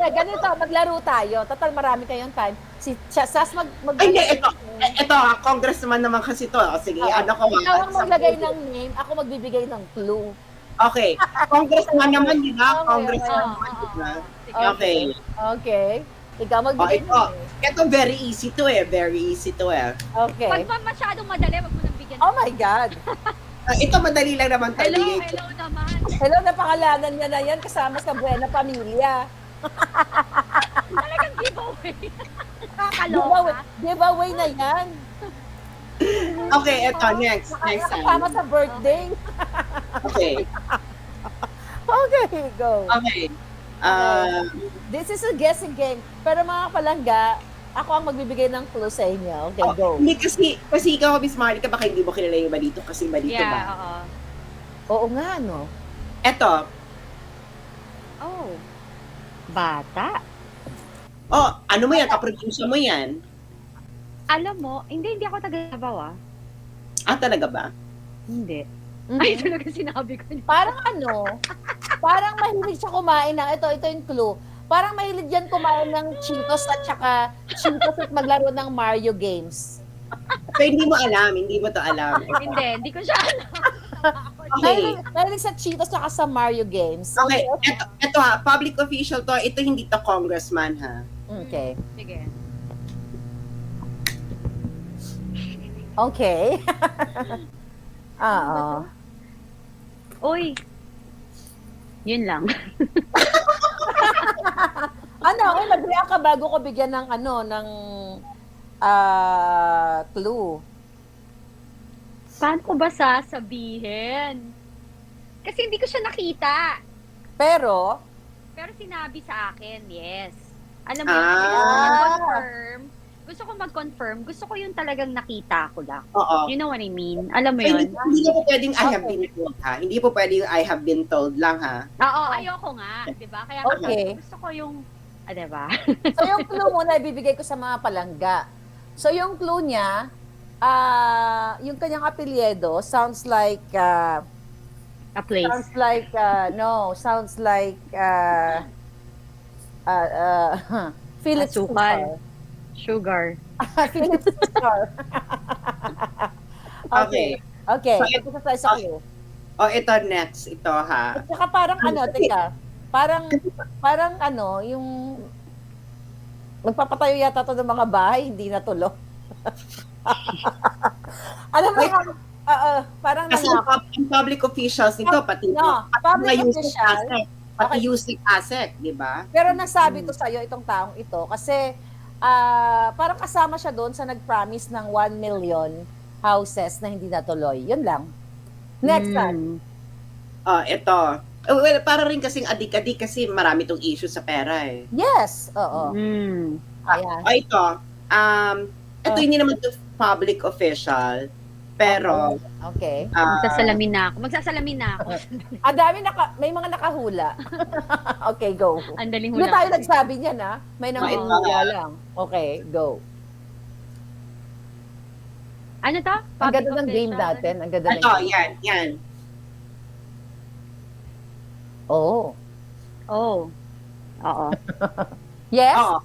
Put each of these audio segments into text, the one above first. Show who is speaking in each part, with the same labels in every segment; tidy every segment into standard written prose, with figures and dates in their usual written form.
Speaker 1: ganito, maglaro tayo. Total, marami kayong time. Sas
Speaker 2: Ay, hindi, ito, congressman naman kasi to. Sige, ano ko.
Speaker 1: Ikaw ang maglagay ng name, ako magbibigay ng clue.
Speaker 2: Okay. Congressman naman, di ba?
Speaker 1: Okay,
Speaker 2: Congressman
Speaker 1: okay.
Speaker 2: naman, di ba?
Speaker 1: Okay.
Speaker 2: Okay.
Speaker 1: Okay. Ikaw
Speaker 2: Oh,
Speaker 1: magbigay ng
Speaker 2: ito.
Speaker 1: name.
Speaker 2: Ito, very easy to eh. Very easy to eh.
Speaker 1: Okay.
Speaker 3: Pag pa masyadong madali, wag mo nang bigyan.
Speaker 1: Oh my God.
Speaker 2: Ito, madali lang naman tayo.
Speaker 3: Hello naman.
Speaker 1: Hello, napakalanan niya na yan kasama sa Buena Pamilya.
Speaker 3: Talagang giveaway.
Speaker 1: Giveaway,
Speaker 3: Kakaloka.
Speaker 1: giveaway na yan.
Speaker 2: Okay, ito, next. Next
Speaker 1: Kasama
Speaker 2: time.
Speaker 1: sa birthday.
Speaker 2: Okay.
Speaker 1: Okay, go.
Speaker 2: Okay.
Speaker 1: This is a guessing game. Pero mga palangga, ako ang magbibigay ng clue sa inyo. Okay, go.
Speaker 2: Hindi kasi ikaw, Miss Marika, baka hindi mo kilala yung balito kasi balito
Speaker 3: Yeah,
Speaker 2: ba?
Speaker 3: oo.
Speaker 1: Oo nga, no?
Speaker 2: Ito.
Speaker 3: Oh. Bata.
Speaker 2: Oh, ano mo yan? Kaproducer mo yan?
Speaker 3: Alam mo, hindi ako taga-Davao ah.
Speaker 2: Ah, talaga ba?
Speaker 3: Hindi.
Speaker 1: Mhm.
Speaker 3: Ay, talaga sinabi ko.
Speaker 1: Parang parang mahilig siya kumain ng, ito yung clue. Parang mahilig yan kumain ng Cheetos at saka Cheetos at maglaro ng Mario games.
Speaker 2: Pero hindi mo alam, hindi mo to alam.
Speaker 3: Hindi ko siya alam.
Speaker 2: Okay.
Speaker 1: Mahilig sa Cheetos at sa Mario games.
Speaker 2: Okay, ito ha, public official to, ito hindi to congressman ha.
Speaker 1: Okay.
Speaker 3: Sige.
Speaker 1: Okay. Oo.
Speaker 3: Uy. Yun lang.
Speaker 1: Nag-react ka bago ko bigyan ng clue.
Speaker 3: Paano ko ba sasabihin? Kasi hindi ko siya nakita.
Speaker 1: Pero,
Speaker 3: Pero sinabi sa akin, yes. Alam mo, gusto ko mag-confirm. Gusto ko yung talagang nakita ko lang.
Speaker 2: Oo.
Speaker 3: You know what I mean? Alam mo
Speaker 2: Ay,
Speaker 3: yun?
Speaker 2: hindi po pwedeng I have
Speaker 1: Okay.
Speaker 2: been told ha. Hindi po pwedeng I have been told lang ha.
Speaker 3: Oo, ayoko nga. Diba? Kaya
Speaker 1: Okay.
Speaker 3: gusto ko yung, diba?
Speaker 1: so yung clue muna ibibigay ko sa mga palangga. So yung clue niya, yung kanyang apelyido sounds like
Speaker 3: A place.
Speaker 1: sounds like Philip
Speaker 3: Asukal. Sugar.
Speaker 1: Philip Star.
Speaker 2: Okay.
Speaker 1: Okay.
Speaker 2: So,
Speaker 1: Ito tayo sa clue.
Speaker 2: Oh, ito next. Ito ha.
Speaker 1: At saka parang teka, parang yung magpapatayo yata to ng mga bahay, hindi natulo. Alam mo, parang
Speaker 2: Kasi ang public officials nito, pati
Speaker 1: public
Speaker 2: yung
Speaker 1: official.
Speaker 2: ASEC, pati using ASEC, di ba?
Speaker 1: Pero nasabi to sa'yo, itong taong ito, kasi parang kasama siya doon sa nag-promise ng 1 million houses na hindi natuloy. Yun lang. Next time.
Speaker 2: Ito. Well, para rin kasing adik-adik kasi marami tong issue sa pera eh.
Speaker 1: Yes. Oo. Ayan.
Speaker 2: Ito. Ito hindi naman to public official, pero
Speaker 1: Okay.
Speaker 3: Magsasalamin na ako.
Speaker 1: Ang dami may mga nakahula. Okay, go.
Speaker 3: Ang daling
Speaker 1: Hindi
Speaker 3: hula.
Speaker 1: tayo nagsabi niyan, ha? May nanghula lang. Okay, go.
Speaker 3: Ano to?
Speaker 1: Ang ganda
Speaker 3: Public
Speaker 1: ng game
Speaker 3: official?
Speaker 1: natin. Ang ganda ng
Speaker 2: ito,
Speaker 1: game.
Speaker 2: yan.
Speaker 1: Oh.
Speaker 3: Oh. Oo.
Speaker 1: Yes?
Speaker 2: Oo.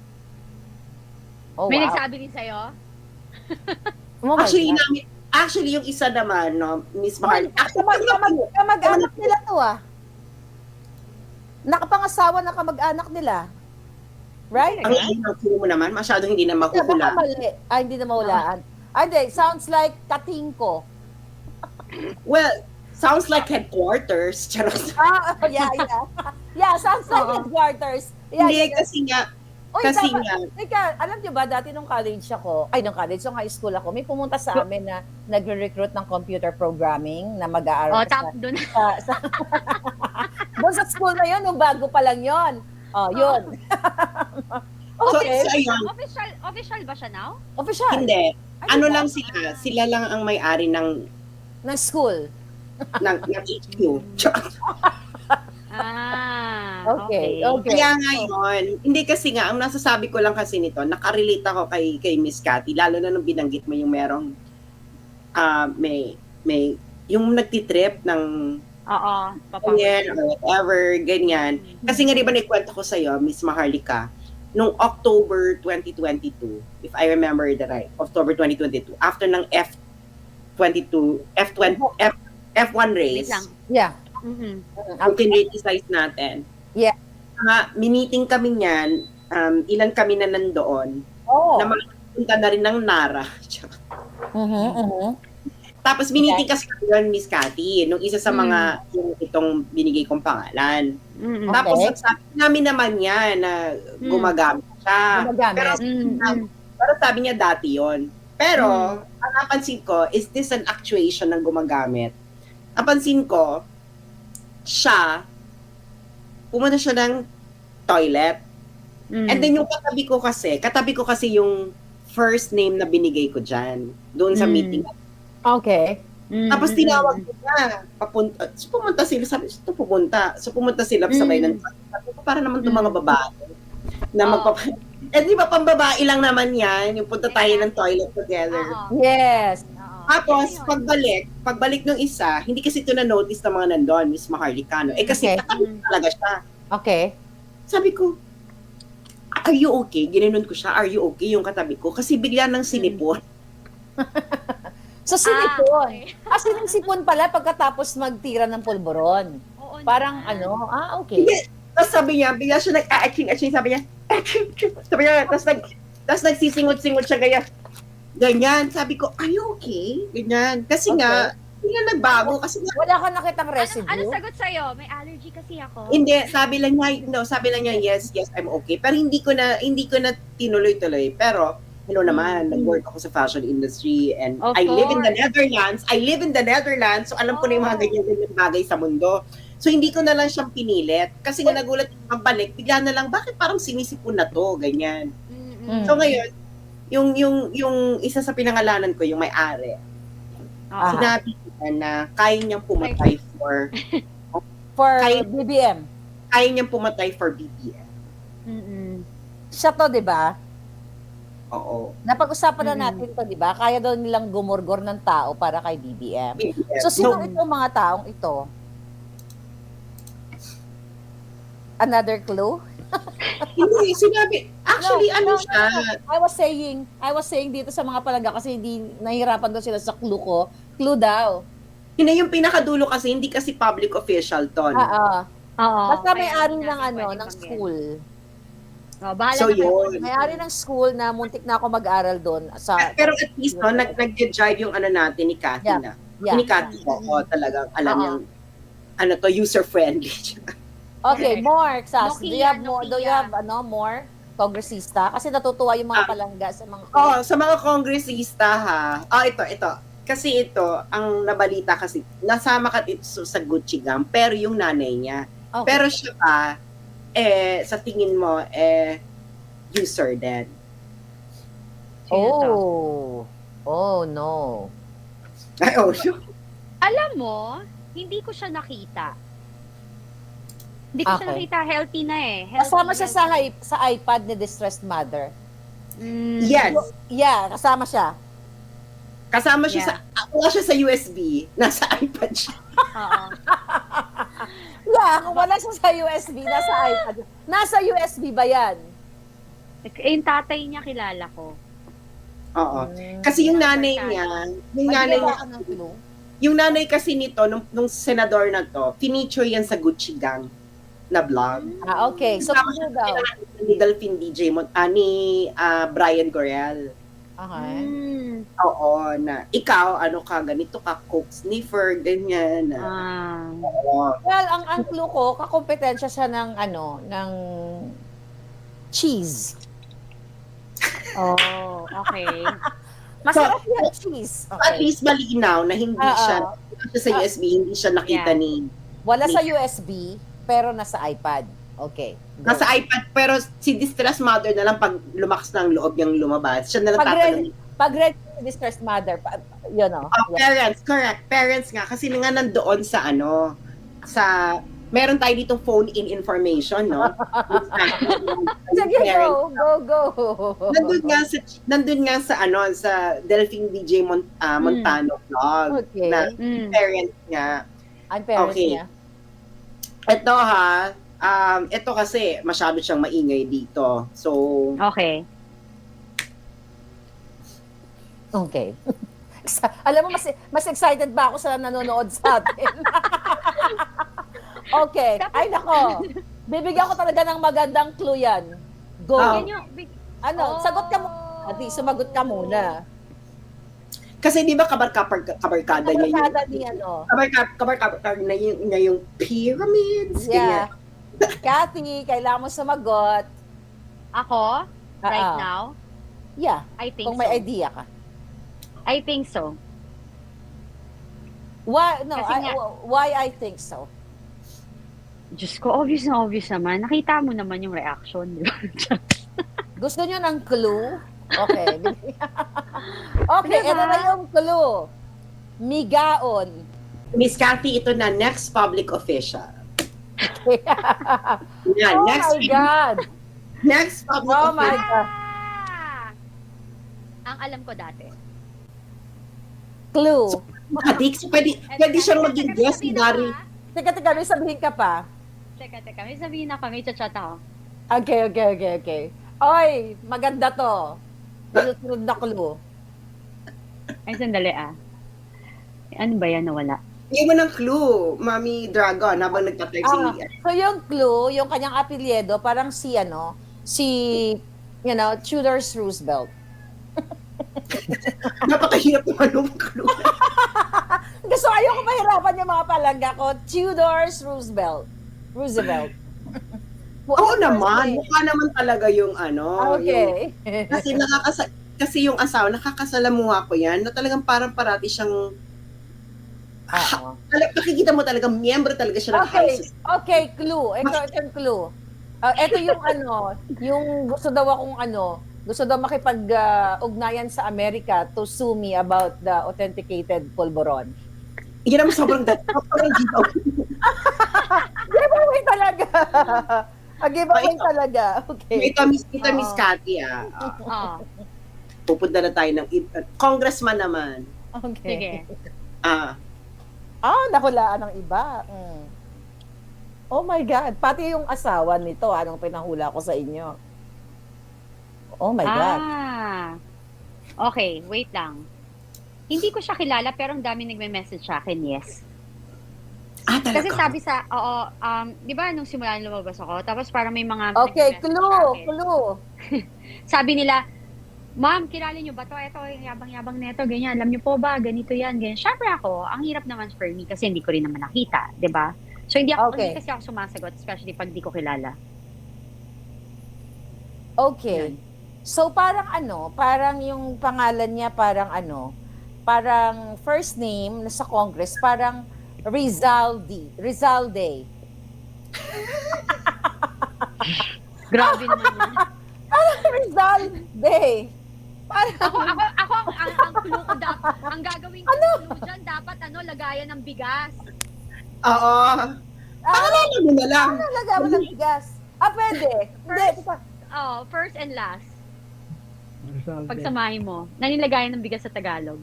Speaker 1: Oh,
Speaker 3: May
Speaker 1: wow.
Speaker 3: nagsabi din sa'yo?
Speaker 1: Oh my God.
Speaker 2: Actually, yung isa naman, no, Miss Mahal,
Speaker 1: Kamag-anak nila to, ah. Nakapangasawa na kamag-anak nila. Right?
Speaker 2: ang clue mo naman, masyadong hindi na
Speaker 1: Baka
Speaker 2: makuhula.
Speaker 1: mali. Hindi na mahulaan. Hindi. Sounds like katingko.
Speaker 2: Well, sounds like headquarters. Charot.
Speaker 1: Yeah. Yeah, sounds like headquarters. Yeah,
Speaker 2: Hindi,
Speaker 1: yeah.
Speaker 2: kasi nga,
Speaker 1: Uy,
Speaker 2: kasi
Speaker 1: dapat-
Speaker 2: nga,
Speaker 1: Teka, alam niyo ba, dati nung college, nung high school ako, may pumunta sa amin na nagre-recruit ng computer programming na mag-aaral
Speaker 3: Doon.
Speaker 1: doon sa school na yun, nung bago pa lang yun. Yun. Okay.
Speaker 2: so ayun,
Speaker 3: Official ba siya now?
Speaker 1: Official.
Speaker 2: hindi.
Speaker 1: Ay,
Speaker 2: Ano
Speaker 1: diba?
Speaker 2: lang sila lang ang may-ari ng
Speaker 1: Ng school.
Speaker 2: HQ. Charot.
Speaker 1: Okay.
Speaker 2: Kaya ngayon, hindi kasi nga, ang nasasabi ko lang kasi nito, nakarelate ako kay Miss Cathy, lalo na nung binanggit mo yung merong, may yung nagtitrip ng
Speaker 3: Oo, papower
Speaker 2: ganyan,
Speaker 3: trip.
Speaker 2: or whatever, ganyan. Kasi nga, di ba, naikwento ko sa'yo, Miss Maharlika, nung October 2022, if I remember the right, October 2022, after ng F1
Speaker 3: Wait
Speaker 2: race,
Speaker 3: lang.
Speaker 1: Yeah.
Speaker 3: Mhm.
Speaker 2: yung kinriticize natin.
Speaker 1: Yeah.
Speaker 2: Miniting kami niyan, ilan kami na nandoon,
Speaker 1: Oh.
Speaker 2: na makapunta na rin ng Nara. Tapos miniting kasi kami yun, Miss Cathy, nung isa sa mga yung itong binigay kong pangalan.
Speaker 3: Mhm.
Speaker 2: Tapos
Speaker 1: Okay.
Speaker 2: sabi namin naman niya na gumagamit siya.
Speaker 1: Gumagamit.
Speaker 2: Pero sabi niya dati yon. Pero, ang napansin ko, is this an actuation ng gumagamit? Napansin ko, pumunta siya ng toilet. And then yung katabi ko kasi yung first name na binigay ko dyan, doon sa meeting.
Speaker 1: Okay.
Speaker 2: Tapos tinawag ko na, pumunta sila, sabi, pumunta sila sabay ng sabi ko, para naman itong mga babae na eh di ba pambabae lang naman yan, yung punta tayo ng toilet together.
Speaker 1: Yes.
Speaker 2: Tapos pagbalik ng isa, hindi kasi ito na-notice ng mga nandun, Miss Maharlika, no? Eh kasi katabi talaga siya.
Speaker 1: Okay.
Speaker 2: Sabi ko, are you okay? Ginanon ko siya, are you okay yung katabi ko? Kasi bigla nang sinipon.
Speaker 1: So, sinipon.
Speaker 3: Okay.
Speaker 1: Sinisipon pala pagkatapos magtira ng pulburon.
Speaker 3: Oo
Speaker 1: Parang
Speaker 3: naman.
Speaker 1: okay.
Speaker 2: Tapos sabi niya, bigla siya nag-a-aching, sabi niya, sabi niya, tapos nagsisingot-singot siya ganyan. Sabi ko, are you okay? Ganyan. Kasi nga, hindi na nagbago. Kasi nga,
Speaker 1: Wala ka nakitang residue?
Speaker 3: Ano sagot sa'yo? May allergy kasi ako.
Speaker 2: hindi, sabi lang niya, yes, I'm okay. Pero hindi ko na tinuloy-tuloy. Pero, hello naman, nag-work ako sa fashion industry and
Speaker 3: Of
Speaker 2: I live in the
Speaker 3: course.
Speaker 2: Netherlands. So, alam ko na yung mga ganyan-ganyan bagay sa mundo. So, hindi ko na lang siyang pinilit. Kasi nga nagulat yung pagbalik, bigla na lang, bakit parang sinisipon na to? Ganyan. So, ngayon, yung isa sa pinangalanan ko, yung may-ari, sinabi niya na kaya niyang pumatay for
Speaker 1: BBM.
Speaker 2: Kaya niyang pumatay for BBM.
Speaker 1: Siya to, di ba?
Speaker 2: Oo.
Speaker 1: Napag-usapan na natin to, di ba? Kaya daw nilang gumurgor ng tao para kay BBM.
Speaker 2: BBM.
Speaker 1: So, sino itong mga taong ito? Another clue?
Speaker 2: Hindi, sinabi, actually, siya?
Speaker 1: I was saying dito sa mga palangga kasi hindi nahihirapan daw sila sa clue ko. Clue daw.
Speaker 2: Hindi, yung pinakadulo kasi, hindi kasi public official to. No?
Speaker 3: Oo.
Speaker 1: Basta
Speaker 3: Kaya
Speaker 1: may-ari
Speaker 3: hindi
Speaker 1: ng
Speaker 3: natin pwedeng
Speaker 1: ng
Speaker 3: banggitin.
Speaker 1: school.
Speaker 3: Bahala
Speaker 2: So,
Speaker 3: na kayo.
Speaker 2: yun.
Speaker 1: May-ari ng school na muntik na ako mag-aral doon.
Speaker 2: Pero at least, no, nag-drive yung natin ni Cathy na.
Speaker 1: Yeah.
Speaker 2: Ni Cathy, talagang alam niyang, user-friendly.
Speaker 1: Okay, more, Sas.
Speaker 3: Nokia,
Speaker 1: Do you have more? Do you
Speaker 3: Nokia.
Speaker 1: have more? Kongresista? Kasi natutuwa yung mga palangga sa mga...
Speaker 2: Sa mga kongresista ha. Ito. Kasi ito, ang nabalita kasi, nasama ka dito sa Gucci Gang, pero yung nanay niya.
Speaker 1: Okay.
Speaker 2: Pero siya pa, sa tingin mo, user din.
Speaker 1: Oh, no.
Speaker 2: Ay, sure.
Speaker 3: Alam mo, hindi ko siya nakita. Hindi ko siya nakita. Healthy na eh.
Speaker 1: Kasama siya sa iPad ni Distressed Mother.
Speaker 2: Yes.
Speaker 1: Yeah, kasama siya.
Speaker 2: Kasama siya wala siya sa USB. Nasa iPad siya.
Speaker 3: Oo.
Speaker 1: Yeah, kung wala siya sa USB, nasa iPad. Nasa USB ba yan?
Speaker 3: Yung tatay niya kilala ko.
Speaker 2: Oo. Kasi yung nanay niya, yung nanay kasi nito, nung senador na to, feature yan sa Gucci Gang na vlog.
Speaker 1: Okay. So, ano daw?
Speaker 2: Ni Delphine DJ, ni Brian Gorel.
Speaker 1: Okay.
Speaker 2: Oo, na ikaw, ganito ka, coke sniffer, ganyan. Oo.
Speaker 1: Well, ang clue ko, kakompetensya siya ng cheese.
Speaker 3: Oh, okay.
Speaker 1: Masarap yung cheese.
Speaker 2: At least malinaw na hindi siya sa USB, hindi siya nakita ni...
Speaker 1: Wala sa USB, pero nasa iPad. Okay. Go.
Speaker 2: Nasa iPad, pero si Distressed Mother na lang pag lumakas ng loob niyang lumabas. Siya na lang tatanungin.
Speaker 1: Pag ready si Distressed Mother,
Speaker 2: Parents, correct. Parents nga. Kasi nga nandoon sa meron tayo ditong phone-in information, no?
Speaker 1: Sige, go.
Speaker 2: Nandun nga sa Delphine DJ Montano vlog.
Speaker 1: Okay.
Speaker 2: Na parents nga.
Speaker 1: Ang parents
Speaker 2: Okay.
Speaker 1: niya.
Speaker 2: Ito ha, ito kasi masyado siyang maingay dito. So,
Speaker 3: Okay.
Speaker 1: Okay. Alam mo, mas excited ba ako sa nanonood sa atin? Okay. Ay, nako. Bibigyan ko talaga ng magandang clue yan. Go.
Speaker 2: Oh.
Speaker 3: Yan yung,
Speaker 1: Ano, sagot ka mo. Adi, sumagot ka muna.
Speaker 2: kasi di ba kabarkada niya yung
Speaker 1: Kabarkada ni ano.
Speaker 2: kabarkada niya yung pyramids.
Speaker 1: Yeah.
Speaker 2: Ganyan.
Speaker 1: Kathy, kailangan mo sumagot.
Speaker 3: ako, right
Speaker 1: Ah,
Speaker 3: now,
Speaker 1: Yeah,
Speaker 3: I think
Speaker 1: kung may
Speaker 3: so.
Speaker 1: idea ka.
Speaker 3: I think so.
Speaker 1: Why, no,
Speaker 3: Kasi nga-
Speaker 1: why I think so.
Speaker 3: Diyos ko, obvious na obvious naman. Nakita mo naman yung reaction, di ba?
Speaker 1: Gusto nyo ng clue? Okay. Okay,
Speaker 3: Diba?
Speaker 1: ito na yung clue. Migaon.
Speaker 2: Miss Cathy, ito na, next public official. Yan,
Speaker 1: Oh
Speaker 2: next,
Speaker 1: my God.
Speaker 2: next public
Speaker 1: Oh my
Speaker 2: official.
Speaker 1: God.
Speaker 3: Ang alam ko dati.
Speaker 1: Clue.
Speaker 2: Adik, so pwede siyang maging guest ni Dari.
Speaker 1: Teka, may sabihin ka pa.
Speaker 3: Teka, may sabihin ako, may chat ako.
Speaker 1: Okay. Oy, maganda to. Sunod na clue.
Speaker 3: Ay, sandali Ano ba yan nawala?
Speaker 2: Bigyan mo ng clue, Mami Dragon, habang nagtatype si...
Speaker 1: So yung clue, yung kanyang apelyido, parang si Tudor's Roosevelt.
Speaker 2: Napakahirap naman yung clue.
Speaker 1: Gusto ayoko mahirapan yung mga palangga ko. Tudor's Roosevelt.
Speaker 2: Oo naman, mukha naman talaga yung
Speaker 1: Okay.
Speaker 2: yung, kasi yung asawa, nakakasalamuha ko yan, na talagang parang parati siyang,
Speaker 1: Oo.
Speaker 2: nakikita mo talaga, miyembro talaga siya ng high society.
Speaker 1: Okay, clue. Ito yung clue. Ito yung yung gusto daw makipag-ugnayan sa Amerika to sue me about the authenticated pulburon.
Speaker 2: Yan naman sobrang giveaway.
Speaker 1: Giveaway talaga. Giveaway
Speaker 2: Ito.
Speaker 1: talaga. Okay.
Speaker 2: Ito, Miss Cathy,
Speaker 3: Oh,
Speaker 2: pupunta na tayo ng congressman naman.
Speaker 1: Okay.
Speaker 3: sige.
Speaker 1: Nahulaan ng iba. Oh my God. Pati yung asawa nito, anong pinahula ko sa inyo. Oh my God.
Speaker 3: Okay, wait lang. Hindi ko siya kilala pero ang dami nagme-message sa akin, yes.
Speaker 2: Talaga?
Speaker 3: Kasi sabi di ba nung simula lumabas ako, tapos parang may mga
Speaker 1: Okay,
Speaker 3: nagme-message sa akin.
Speaker 1: clue.
Speaker 3: Sabi nila, ma'am, kilala niyo ba to? Ito, yung yabang-yabang neto, ganyan. Alam niyo po ba, ganito yan, ganyan. Syempre ako, ang hirap naman for me kasi hindi ko rin naman nakita, di ba? So, hindi
Speaker 1: Okay.
Speaker 3: kasi ako sumasagot, especially pag di ko kilala.
Speaker 1: Okay. So parang yung pangalan niya parang first name sa Congress, parang Rizalde.
Speaker 3: Grabe naman yun.
Speaker 1: Rizalde.
Speaker 3: Ako, ang clue ko dapat, ang gagawin ko clue dyan, dapat lagayan ng bigas.
Speaker 2: Oo. Pangalanan mo na lang.
Speaker 1: Lagyan mo ng bigas. Pwede. Hindi.
Speaker 3: First and last. Pagsamahin mo, nanilagayan ng bigas sa Tagalog.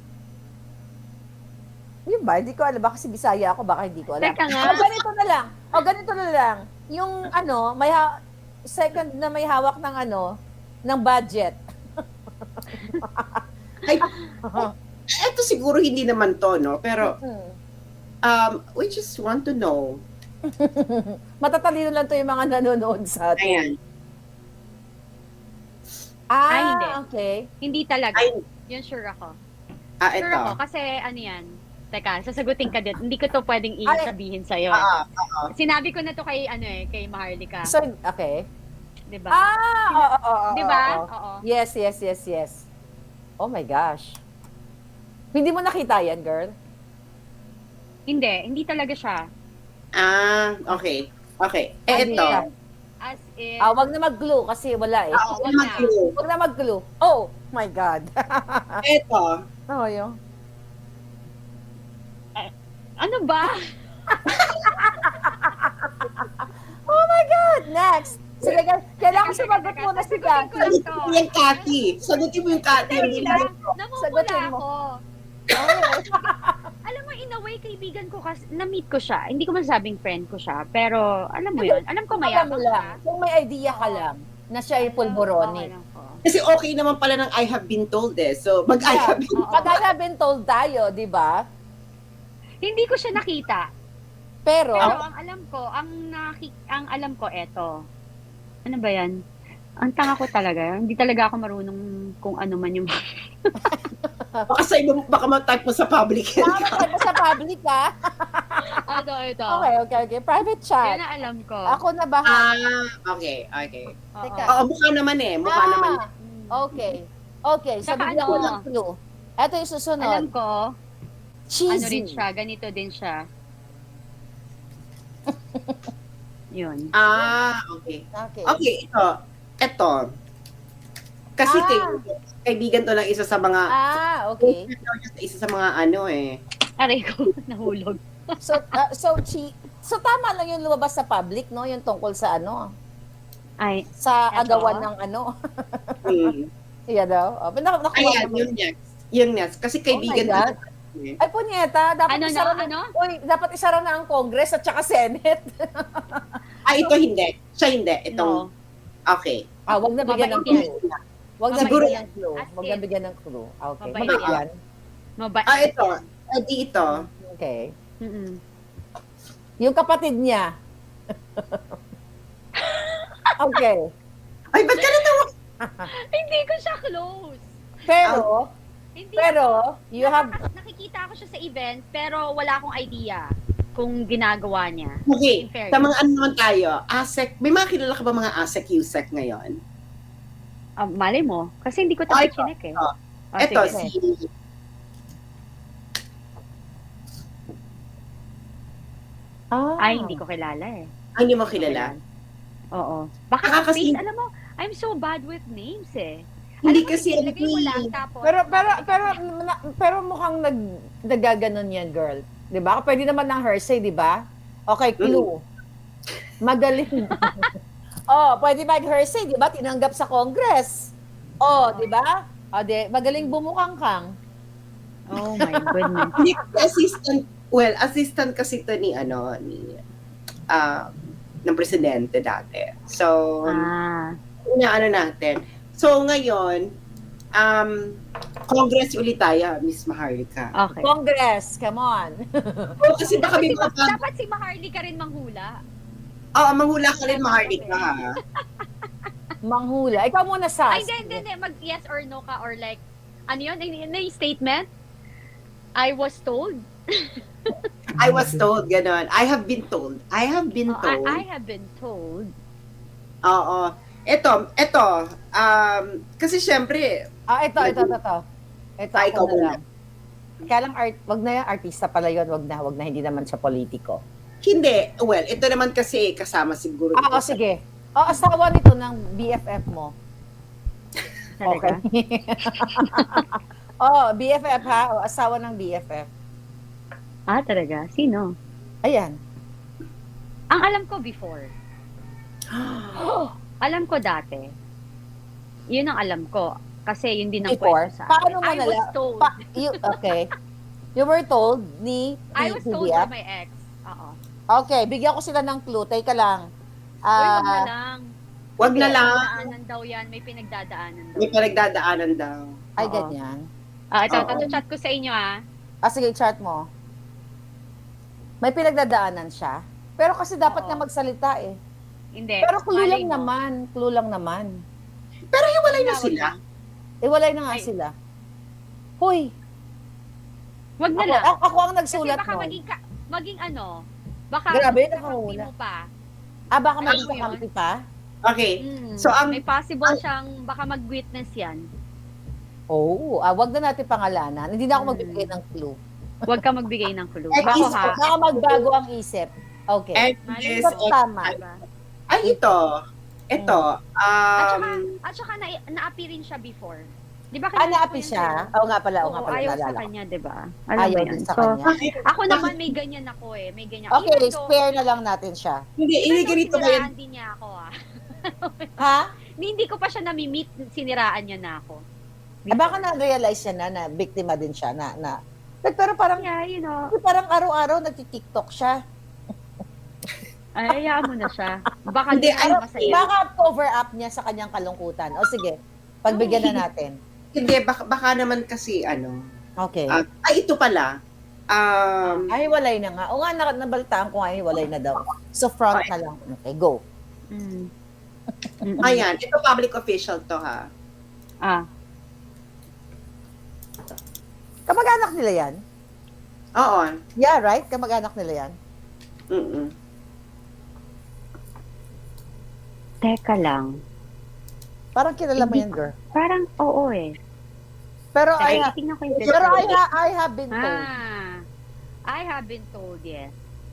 Speaker 1: Yun ba? Hindi ko alam. Baka kasi Bisaya ako, baka hindi ko alam.
Speaker 3: Teka nga.
Speaker 1: Ganito na lang. Yung second na may hawak ng budget.
Speaker 2: Ito siguro hindi naman to, no? Pero, we just want to know.
Speaker 1: Matatalino lang to yung mga nanonood sa atin.
Speaker 2: Ayan.
Speaker 3: Hindi.
Speaker 1: Okay.
Speaker 3: Hindi talaga.
Speaker 2: Ay,
Speaker 3: Yun sure ako.
Speaker 2: ito.
Speaker 3: Sure ako, kasi yan. Teka, sasagutin ka din. Hindi ko to pwedeng sabihin sa'yo. Sinabi ko na to kay, kay Maharlika.
Speaker 1: So, okay.
Speaker 3: Diba?
Speaker 1: Oo.
Speaker 3: Diba?
Speaker 1: Oo.
Speaker 3: Oo.
Speaker 1: Yes. Oh my gosh. Hindi mo nakita yan, girl?
Speaker 3: Hindi talaga siya.
Speaker 2: Okay.
Speaker 1: Hindi
Speaker 2: Ito.
Speaker 1: yan.
Speaker 3: As in,
Speaker 1: Wag na mag-glue kasi wala eh.
Speaker 3: wag na.
Speaker 1: Wag na mag-glue. Oh my God.
Speaker 2: Ito.
Speaker 1: Yun.
Speaker 3: Ano ba?
Speaker 1: Oh my God. Next. Sige, kailangan sumagot muna si Kathy.
Speaker 2: Sagutin mo yung Cathy. Sagutin mo yung Cathy.
Speaker 3: Dali lang.
Speaker 1: Sagutin
Speaker 3: Namumula
Speaker 1: mo.
Speaker 3: ako.
Speaker 1: Oh,
Speaker 3: Alam mo, in a way, kaibigan ko kasi, na-meet ko siya. Hindi ko masabing friend ko siya. Pero, alam mo yun. Alam ko
Speaker 1: Alam mo
Speaker 3: mayabang
Speaker 1: lang,
Speaker 3: siya.
Speaker 1: kung may idea ka
Speaker 3: Oo.
Speaker 1: lang na siya ay pulboroni.
Speaker 3: Alam ko.
Speaker 2: Kasi okay naman pala ng I have been told eh. So, mag-I have been
Speaker 3: Oo.
Speaker 1: Pag I have been told tayo, di ba?
Speaker 3: Hindi ko siya nakita.
Speaker 1: Pero,
Speaker 3: Pero ang alam ko, ang alam ko eto. Ano ba 'yan? Ang tanga ko talaga. Hindi talaga ako marunong kung ano man yung
Speaker 2: baka sa iba, baka mag-type mo sa public.
Speaker 1: tama ka sa public, ha?
Speaker 3: ito.
Speaker 1: Okay. Private
Speaker 3: Yan
Speaker 1: chat.
Speaker 3: ang alam ko.
Speaker 1: Ako na bahala.
Speaker 2: Okay.
Speaker 3: Oo.
Speaker 1: Teka.
Speaker 2: Oo, mukha naman eh. Mukha naman.
Speaker 1: Okay. Okay, so
Speaker 3: Saka
Speaker 1: bigyan ko
Speaker 3: ano?
Speaker 1: ng clue. Ito yung susunod.
Speaker 3: Alam ko, ano rin
Speaker 1: Cheesy.
Speaker 3: siya, ganito din siya. Yun.
Speaker 2: Okay.
Speaker 1: Okay.
Speaker 2: Okay, ito. Kasi kaibigan to ng isa sa mga,
Speaker 1: Okay.
Speaker 2: isa sa mga ano eh.
Speaker 3: Aray ko, nahulog.
Speaker 1: So, so tama lang yung lumabas sa public, no? Yung tungkol sa ano?
Speaker 3: Ay,
Speaker 1: Sa
Speaker 3: Eto?
Speaker 1: agawan ng ano.
Speaker 2: Hmm.
Speaker 1: Yan daw. Nakuha
Speaker 2: Ayan,
Speaker 1: naman.
Speaker 2: yung next. Yung next. Kasi kaibigan
Speaker 1: Oh my
Speaker 2: to.
Speaker 1: Ay, punyeta, dapat
Speaker 3: Ano
Speaker 1: isara
Speaker 3: na, ano?
Speaker 1: Uy, dapat isara na ang Congress at saka Senate.
Speaker 2: Ito hindi. Siya hindi. Itong,
Speaker 3: no.
Speaker 2: okay.
Speaker 1: Wag na bigyan ng
Speaker 3: Mabait
Speaker 1: clue. Wag na
Speaker 2: Siguro
Speaker 1: bigyan ng clue.
Speaker 3: As
Speaker 1: Wag na
Speaker 3: in.
Speaker 1: bigyan ng clue. Okay.
Speaker 3: Mabait
Speaker 1: Mabait yan.
Speaker 3: Mabait.
Speaker 2: Ito. Ito.
Speaker 1: Okay.
Speaker 3: Mm-mm.
Speaker 1: Yung kapatid niya. Okay.
Speaker 2: Ay, ba't ka natawa?
Speaker 3: Hindi ko siya close.
Speaker 1: Pero,
Speaker 3: Hindi
Speaker 1: pero, you have,
Speaker 3: nakikita ko siya sa event, pero wala akong idea kung ginagawa niya.
Speaker 2: Okay.
Speaker 3: In fairness.
Speaker 2: Sa mga ano naman tayo, ASEC, may mga kilala ka ba mga ASEC, USEC ngayon?
Speaker 3: Malay mo. Kasi hindi ko
Speaker 2: Ah,
Speaker 3: tayo
Speaker 2: ito.
Speaker 3: chinek eh.
Speaker 2: Oh.
Speaker 3: Oh,
Speaker 2: Ito,
Speaker 3: sige.
Speaker 2: si,
Speaker 3: Ay, hindi ko kilala eh.
Speaker 2: hindi mo kilala?
Speaker 3: Oo. Baka
Speaker 2: Kasi-
Speaker 3: face, alam mo, I'm so bad with names eh.
Speaker 2: Hindi
Speaker 3: Alam mo,
Speaker 2: kasi, ano
Speaker 3: ilagay mo lang,
Speaker 2: eh.
Speaker 3: tapos,
Speaker 1: pero mukhang nagaganon yan, girl. 'Di ba? Pwede naman ng Hersey, 'di ba? Okay, clue. Magaling. Pwede mag-Hersey, 'di ba? Tinanggap sa Congress. 'di ba? Magaling bumukang kang.
Speaker 3: oh my goodness.
Speaker 2: Hindi kasi assistant kasi ito ni ng presidente dati. So, ano natin. So, ngayon, Congress ulit tayo, Miss Maharlika.
Speaker 3: Okay.
Speaker 1: Congress, come on.
Speaker 2: Kasi baka may mga
Speaker 3: Dapat si Maharly ka rin manghula.
Speaker 2: manghula ka rin, Maharlika.
Speaker 1: Manghula. Ikaw muna, Sas.
Speaker 3: Ay, hindi. Mag-yes or no ka or like, ano yun? Ano yung statement? I was told.
Speaker 2: I was told, ganon. I have been told. I have been told.
Speaker 3: I have been told.
Speaker 2: Oo. Ito, kasi syempre,
Speaker 1: Ito. Ito
Speaker 2: Ay,
Speaker 1: ako
Speaker 2: ikaw
Speaker 1: na
Speaker 2: muna.
Speaker 1: lang. Kaya lang, wag na yan, artista pala yun, wag na, hindi naman siya politiko.
Speaker 2: hindi. Well, ito naman kasi kasama siguro. dito sa-
Speaker 1: Sige. Asawa nito ng BFF mo.
Speaker 3: Talaga?
Speaker 1: BFF ha? Asawa ng BFF.
Speaker 3: Talaga? Sino?
Speaker 1: Ayan.
Speaker 3: Ang alam ko before. Alam ko dati. Yun ang alam ko. Kasi yun din ang
Speaker 1: Before?
Speaker 3: kwento sa
Speaker 1: Paano
Speaker 3: akin.
Speaker 1: mo
Speaker 3: I was
Speaker 1: nala-
Speaker 3: told.
Speaker 1: Okay. You were told ni
Speaker 3: I was told
Speaker 1: BFF?
Speaker 3: by my ex. Oo.
Speaker 1: Okay, bigyan ko sila ng clue. Teka lang.
Speaker 3: Uy, wag na lang.
Speaker 2: Wag na lang.
Speaker 3: Pinagdadaanan daw yan. May pinagdadaanan daw.
Speaker 2: May pinagdadaanan daw.
Speaker 1: Ay,
Speaker 3: Oo.
Speaker 1: ganyan.
Speaker 3: Ito, chat ko sa inyo
Speaker 1: Sige, chart mo. May pinagdadaanan siya. Pero kasi dapat
Speaker 3: Oo.
Speaker 1: nga magsalita eh.
Speaker 3: Hindi.
Speaker 1: Pero clue
Speaker 3: malay
Speaker 1: lang
Speaker 3: mo.
Speaker 1: naman. Clue lang naman.
Speaker 2: Pero hiwalay na
Speaker 3: Wag
Speaker 2: sila.
Speaker 1: Iwalay na nga
Speaker 3: Ay.
Speaker 1: sila. Hoy,
Speaker 3: Wag na lang.
Speaker 1: ako ang
Speaker 3: Kasi
Speaker 1: nagsulat
Speaker 3: baka
Speaker 1: nun.
Speaker 3: maging ano, baka
Speaker 1: Grabe,
Speaker 3: kakampi
Speaker 1: nakahula.
Speaker 3: mo pa.
Speaker 1: Baka
Speaker 3: Alam
Speaker 1: maging
Speaker 3: mo yun?
Speaker 1: kakampi pa?
Speaker 2: Okay.
Speaker 3: Mm,
Speaker 2: So,
Speaker 3: may possible siyang baka mag-witness yan.
Speaker 1: Oo. Wag na natin pangalanan. Hindi na ako
Speaker 3: Mm.
Speaker 1: magbibigay ng clue.
Speaker 3: Huwag ka magbigay ng clue.
Speaker 2: At
Speaker 3: Bako
Speaker 2: least,
Speaker 3: ha.
Speaker 1: Baka magbago ang isip. Okay.
Speaker 2: And
Speaker 3: Malay
Speaker 2: this,
Speaker 1: Ito tama.
Speaker 3: Diba?
Speaker 2: ay ito. Ito.
Speaker 3: At saka na-appear rin siya before. Di ba?
Speaker 1: Naapi siya? Oo nga pala,
Speaker 3: Ayaw sa
Speaker 1: naalala ko.
Speaker 3: kanya, di ba? Alam mo
Speaker 1: Ayaw
Speaker 3: yan.
Speaker 1: din sa
Speaker 3: So,
Speaker 1: kanya.
Speaker 3: ako naman may ganyan ako eh. May ganyan.
Speaker 1: Okay,
Speaker 3: Even though-
Speaker 1: spare na lang natin siya.
Speaker 2: Hindi,
Speaker 3: even though
Speaker 2: ganito ba yan?
Speaker 3: siniraan din niya ako
Speaker 1: Ha?
Speaker 3: Hindi ko pa siya nami-meet, siniraan niya na ako.
Speaker 1: Baka na-realize siya na biktima din siya na Pero parang,
Speaker 3: Yeah, you know,
Speaker 1: parang araw-araw nagti-TikTok siya.
Speaker 3: ay, hayaan mo na siya. Baka
Speaker 2: Hindi,
Speaker 3: hindi ay masaya.
Speaker 1: Baka cover up niya sa kanyang kalungkutan. O sige, pagbigyan na natin.
Speaker 2: Hindi, baka naman kasi
Speaker 1: Okay.
Speaker 2: ito pala.
Speaker 1: Ay, hiwalay na nga. O nga, nabalitaan ko nga, hiwalay na daw. So, front na lang. Okay, go.
Speaker 3: Mm.
Speaker 2: Ayan, ito public official to ha.
Speaker 1: Kamag-anak nila yan?
Speaker 2: Oo.
Speaker 1: Yeah, right? Kamag-anak nila yan?
Speaker 2: Mm-mm.
Speaker 3: Teka lang.
Speaker 1: Parang kilala mo yan, girl.
Speaker 3: Parang, oo eh.
Speaker 1: Pero
Speaker 3: Ay,
Speaker 1: I,
Speaker 3: tingnan ko yung
Speaker 1: pero
Speaker 3: description.
Speaker 1: I have been told.
Speaker 3: I have been told, yes.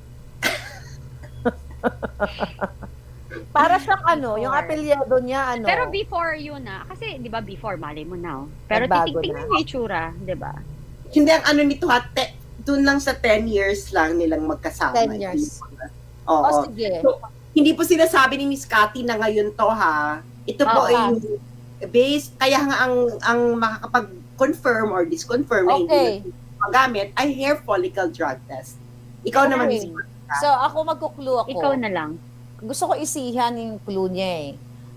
Speaker 1: Para siyang yung
Speaker 3: Before.
Speaker 1: apelyado niya,
Speaker 3: Pero before yun kasi, di ba, before, mali mo na. Pero
Speaker 1: Nagbago
Speaker 3: tingnan
Speaker 1: na.
Speaker 3: mo yung itsura, di ba?
Speaker 2: Hindi ang nito ha, doon lang sa 10 years lang nilang magkasama.
Speaker 1: 10 years.
Speaker 2: Oo.
Speaker 1: O, sige.
Speaker 2: So, hindi po sinasabi ni Miss Cathy na ngayon to ha. Ito po
Speaker 1: Oo.
Speaker 2: ay based, kaya nga ang makakapag-confirm or disconfirm na
Speaker 1: Okay.
Speaker 2: hindi magamit ay hair follicle drug test. Ikaw naman, Miss
Speaker 1: Okay. So, ako magkuklu ako.
Speaker 3: Ikaw na lang.
Speaker 1: Gusto ko isihan yung clue niya eh.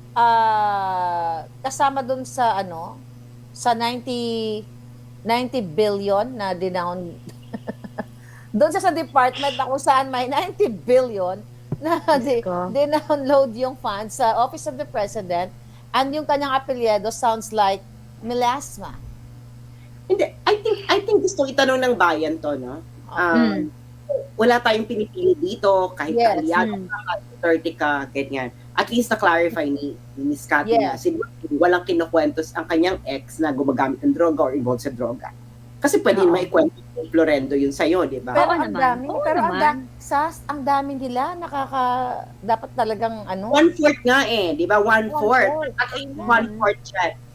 Speaker 1: Kasama dun sa sa 90 billion na dinown doon sa department na kung saan may 90 billion na
Speaker 3: ko.
Speaker 1: dinownload yung funds sa Office of the President and yung kanyang apelyido sounds like melasma.
Speaker 2: Hindi, I think gusto itanong ng bayan to, no? Wala tayong pinipili dito, kahit
Speaker 1: Yes.
Speaker 2: aliado ka, kahit 30 ka, ganyan. At least na-clarify ni Miss Cathy na
Speaker 1: Yes.
Speaker 2: walang kinukwentos ang kanyang ex na gumagamit ng droga or involved sa droga. Kasi pwede
Speaker 3: Oo.
Speaker 2: maikwento ni Florendo yun sa'yo, di ba?
Speaker 1: Pero
Speaker 3: Oo
Speaker 1: ang
Speaker 3: naman.
Speaker 1: dami,
Speaker 3: Oo
Speaker 1: pero
Speaker 3: naman.
Speaker 1: ang dami nila dapat talagang
Speaker 2: 1/4 nga eh, di ba? 1/4.
Speaker 1: 1/4.
Speaker 2: At least 1/4 siya.